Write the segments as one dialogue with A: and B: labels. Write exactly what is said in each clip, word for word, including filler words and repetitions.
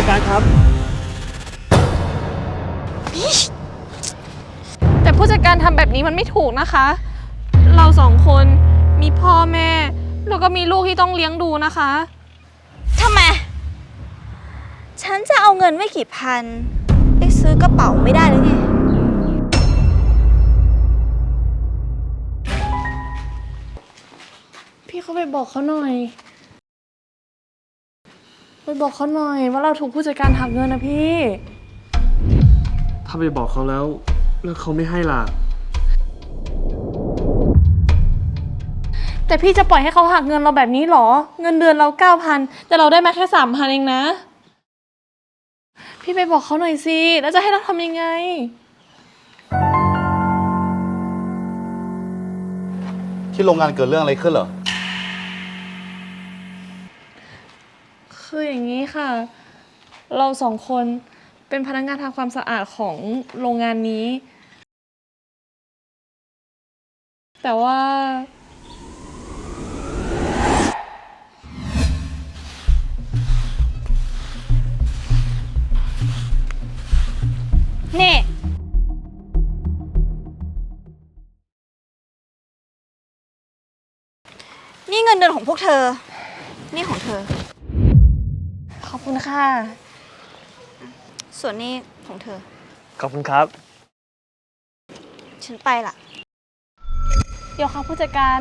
A: จัดการครับ
B: แต่ผู้จัดการทำแบบนี้มันไม่ถูกนะคะ เราสองคนมีพ่อแม่แล้วก็มีลูกที่ต้องเลี้ยงดูนะคะ
C: ทำไมฉันจะเอาเงินไม่กี่พันไปซื้อกระเป๋าไม่ได้หรือไง
B: พี่เขาไปบอกเขาหน่อยไปบอกเขาหน่อยว่าเราถูกผู้จัดการหักเงินนะพี่
A: ถ้าไปบอกเขาแล้วแล้วเขาไม่ให้ล่ะ
B: แต่พี่จะปล่อยให้เขาหักเงินเราแบบนี้หรอเงินเดือนเราเก้าพันแต่เราได้มาแค่สามพันเองนะพี่ไปบอกเขาหน่อยสิแล้วจะให้เราทำยังไง
D: ที่โรงงานเกิดเรื่องอะไรขึ้นเหรอ
B: คืออย่างนี้ค่ะเราสองคนเป็นพนักงานทำความสะอาดของโรงงานนี้แต่ว่า
C: นี่นี่เงินเดือนของพวกเธอนี่ของเธอ
B: ขอบคุณค่ะ
C: ส่วนนี้ของเธอ
A: ขอบคุณครับ
C: ฉันไปละ
B: เดี๋ยวค่ะผู้จัดการ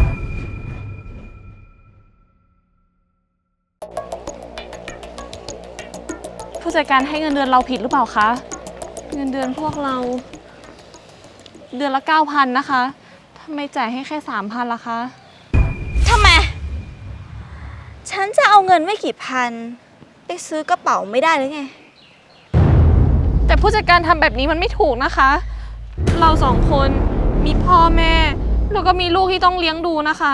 B: ผู้จัดการให้เงินเดือนเราผิดหรือเปล่าคะเงินเดือนพวกเราเดือนละเก้าพันนะคะทำไมจ่ายให้แค่สามพันล่ะคะ
C: ทำไมฉันจะเอาเงินไม่กี่พันไปซื้อกระเป๋าไม่ได้หรือไง
B: แต่ผู้จัดการทำแบบนี้มันไม่ถูกนะคะเราสองคนมีพ่อแม่แล้วก็มีลูกที่ต้องเลี้ยงดูนะคะ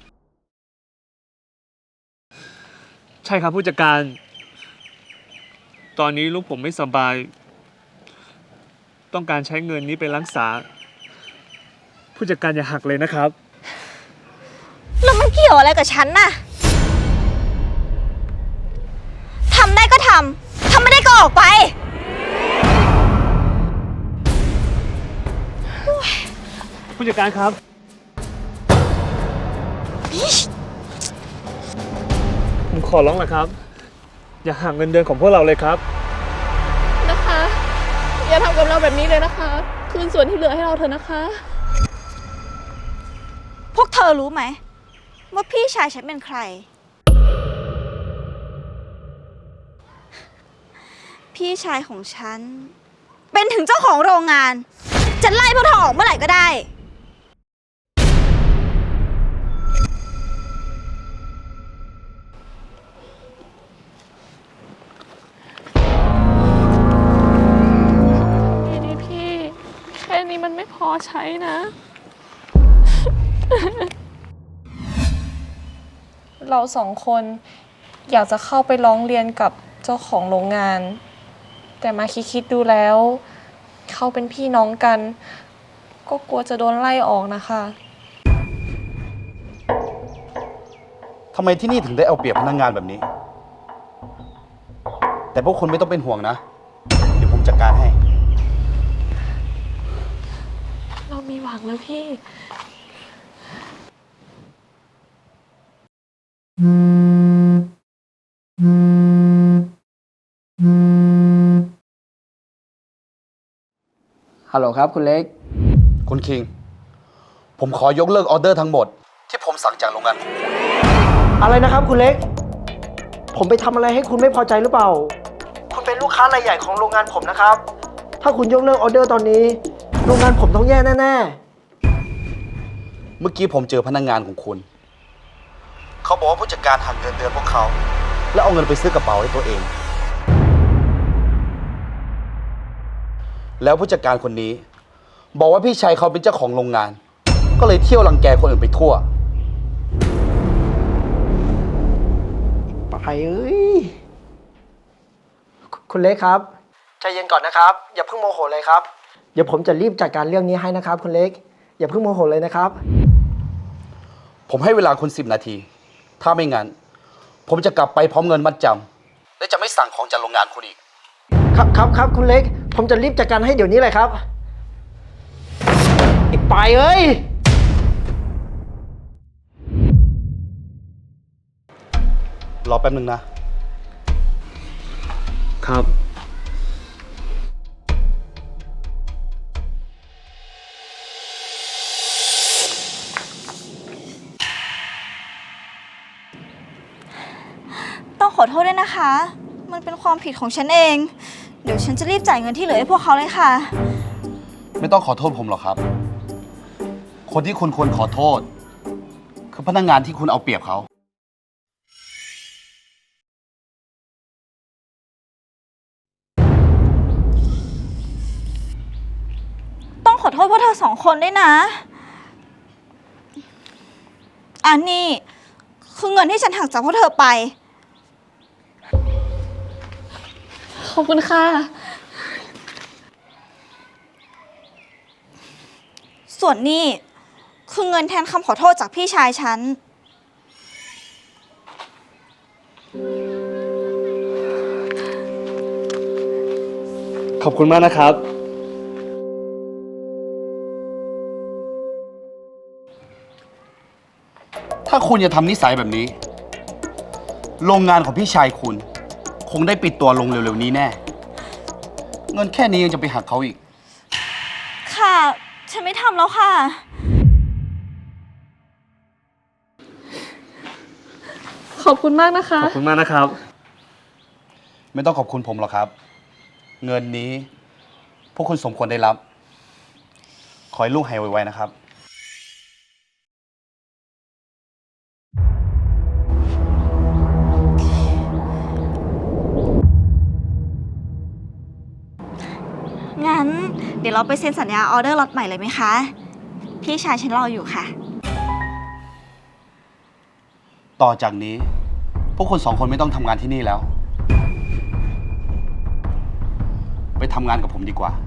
A: ใช่ครับผู้จัดการตอนนี้ลูกผมไม่สบายต้องการใช้เงินนี้ไปรักษาผู้จัดการอย่าหักเลยนะครับ
C: แล้วมันเกี่ยวอะไรกับฉันน่ะทำได้ก็ทำทำไม่ได้ก็ออกไป
A: ผู้จัดการครับผมขอร้องละครับอย่าหักเงินเดือนของพวกเราเลยครับ
B: นะคะอย่าทำกับเราแบบนี้เลยนะคะคืนส่วนที่เหลือให้เราเถอะนะคะ
C: พวกเธอรู้ไหมว่าพี่ชายฉันเป็นใครพี่ชายของฉันเป็นถึงเจ้าของโรงงานจะไล่พวกเธอออกเมื่อไหร่ก็ได้
B: นี่พี่แค่นี้มันไม่พอใช้นะ เราสองคนอยากจะเข้าไปร้องเรียนกับเจ้าของโรงงานแต่มาคิดๆดูแล้วเขาเป็นพี่น้องกันก็กลัวจะโดนไล่ออกนะคะ
D: ทำไมที่นี่ถึงได้เอาเปรียบพนักงานแบบนี้แต่พวกคุณไม่ต้องเป็นห่วงนะเดี๋ยวผมจัดการให้
B: เรามีหวังแล้วพี่
E: ฮัลโหลครับคุณเล็ก
D: คุณคิงผมขอยกเลิกออเดอร์ทั้งหมดที่ผมสั่งจากโรงงานของคุณ
E: อะไรนะครับคุณเล็กผมไปทำอะไรให้คุณไม่พอใจหรือเปล่าคุณเป็นลูกค้ารายใหญ่ของโรงงานผมนะครับถ้าคุณยกเลิกออเดอร์ตอนนี้โรงงานผมต้องแย่แน่
D: ๆเมื่อกี้ผมเจอพนักงานของคุณเขาบอกว่าผู้จัดการหักเงินเดือนพวกเขาแล้วเอาเงินไปซื้อกระเป๋าให้ตัวเองแล้วผู้จัดการคนนี้บอกว่าพี่ชายเขาเป็นเจ้าของโรงงานก็เลยเที่ยวรังแกคนอื่นไปทั่ว
E: ไปเอ้ยคุณเล็กครับใจเย็นก่อนนะครับอย่าเพิ่งโมโหเลยครับเดี๋ยวผมจะรีบจัดการเรื่องนี้ให้นะครับคุณเล็กอย่าเพิ่งโมโหเลยนะครับ
D: ผมให้เวลาคุณสิบนาทีถ้าไม่งั้นผมจะกลับไปพร้อมเงินมัดจและจะไม่สั่งของจากโรงงานคุณอีก
E: ครับครับครับคุณเล็ก ผมจะรีบจัดการให้เดี๋ยวนี้เลยครับไอ้ปายเอ้ย
D: รอแป๊บนึงนะ
A: ครับ
C: ต้องขอโทษด้วยนะคะ มันเป็นความผิดของฉันเอง เดี๋ยวฉันจะรีบจ่ายเงินที่เหลือให้พวกเขาเลยค่ะ
D: ไม่ต้องขอโทษผมหรอกครับ คนที่คุณควรขอโทษ คือพนักงานที่คุณเอาเปรียบเขา
C: ต้องขอโทษพวกเธอสองคนด้วยนะ อันนี้คือเงินที่ฉันหักจากพวกเธอไป
B: ขอบคุณค่ะ
C: ส่วนนี้คือเงินแทนคำขอโทษจากพี่ชายฉัน
A: ขอบคุณมากนะครับ
D: ถ้าคุณจะทำนิสัยแบบนี้ โรงงานของพี่ชายคุณ คงได้ปิดตัวลงเร็วๆนี้แน่ เงินแค่นี้ยังจะไปหักเขาอีก
C: ค่ะ ฉันไม่ทำแล้วค่ะ
B: ขอบคุณมากนะคะ
A: ขอบคุณมากนะครับ
D: ไม่ต้องขอบคุณผมหรอกครับ เงินนี้ พวกคุณสมควรได้รับ ขอให้ลูกหายไวๆนะครับ
C: งั้นเดี๋ยวเราไปเซ็นสัญญาออเดอร์ล็อตใหม่เลยไหมคะ พี่ชายฉันรออยู่ค่ะ
D: ต่อจากนี้ พวกคุณสองคนไม่ต้องทำงานที่นี่แล้ว ไปทำงานกับผมดีกว่า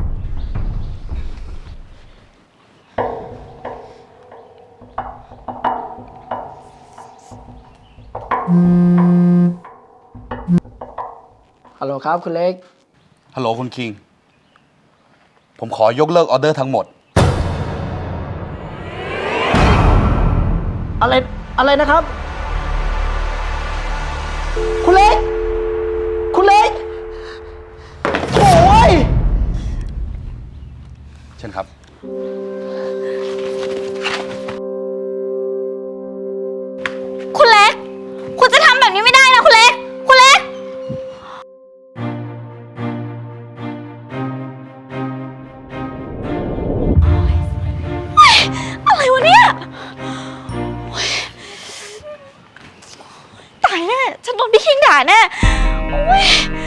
E: ฮัลโหลครับคุณเล็ก
D: ฮัลโหลคุณคิง ผมขอยกเลิกออเดอร์ทั้งหมด
E: อะไร อะไรนะครับ คุณเล็ก คุณเล็กโอ้ย
D: เช่นครับ
C: คุณเล็ก คุณจะทำแบบนี้ไม่ได้นะคุณเล็ก คุณเล็ก อะไรวะเนี่ยโอ๊ยตายแน่ ฉันโดนพี่คิงด่าแน่โอ๊ย